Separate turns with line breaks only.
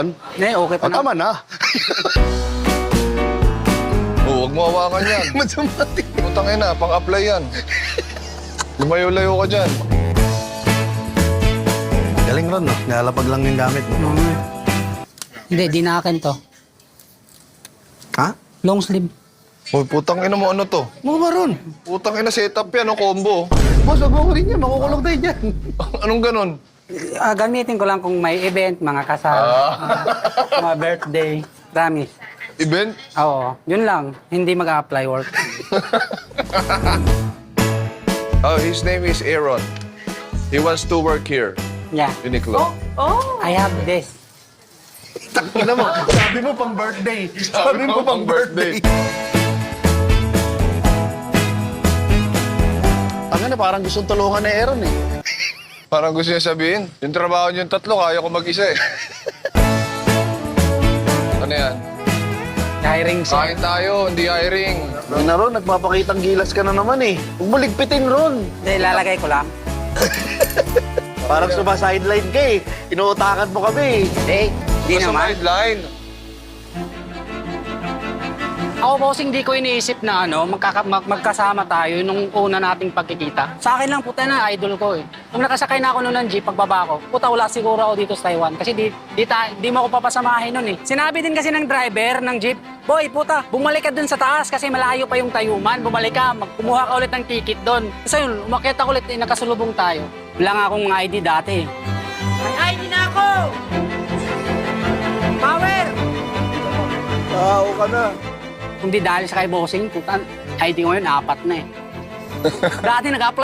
Okay pa na.
Tama na.
Oo, huwag mo hawakan yan.
Masamating.
Putang ina, pang-apply yan. Lumayo-layo ka dyan.
Galing ron, no? Nalapag lang yung gamit mo.
Hindi, di na akin to.
Ha?
Long sleeve.
Uy, putang ina mo, ano to?
Mo ba ron?
Putang ina, setup yan, combo.
Boss, wag mo ko rin yan. Makukulong tayo dyan.
Anong ganon?
Gamitin ko lang kung may event, mga kasal, mga birthday. Promise.
Event?
Oo, yun lang. Hindi mag-apply work.
Oh, his name is Aaron. He wants to work here,
Yeah.
Uniqlo.
I have this.
Takina mo. Sabi mo pang birthday. Sabi mo pang birthday. Ang na, parang gustong tulungan ni Aaron eh.
Parang gusto niya sabihin, yung trabaho niyong tatlo, kaya ko mag-isa eh. Ano yan?
Hiring sir.
Kain tayo, hindi hiring.
Ang na ron, nagpapakitang gilas ka na naman eh. Huwag mo ligpitin ron.
Hindi, lalagay ko lang.
Parang sumasideline ka eh. Inuutakan mo kami eh.
Di
Basta
naman.
sideline.
Ako, bossing, di ko iniisip na magkasama tayo nung una nating pagkikita. Sa akin lang, puta na, idol ko eh. Kung nakasakay na ako noon ng jeep, pagbaba ko, puta, wala siguro ako dito sa Taiwan. Kasi di mo ako papasamahin noon eh. Sinabi din kasi ng driver ng jeep, boy, puta, bumalik ka dun sa taas kasi malayo pa yung Tayuman. Bumalik ka, kumuha ka ulit ng ticket doon. So yun, umakyat ako ulit, nakasulubong tayo. Wala nga akong ID dati eh. May ID na ako! Power!
Tao ka na.
Kung di dahil sa kay bossing, puta, ID ko ngayon, 4 na eh. Dati nag-apply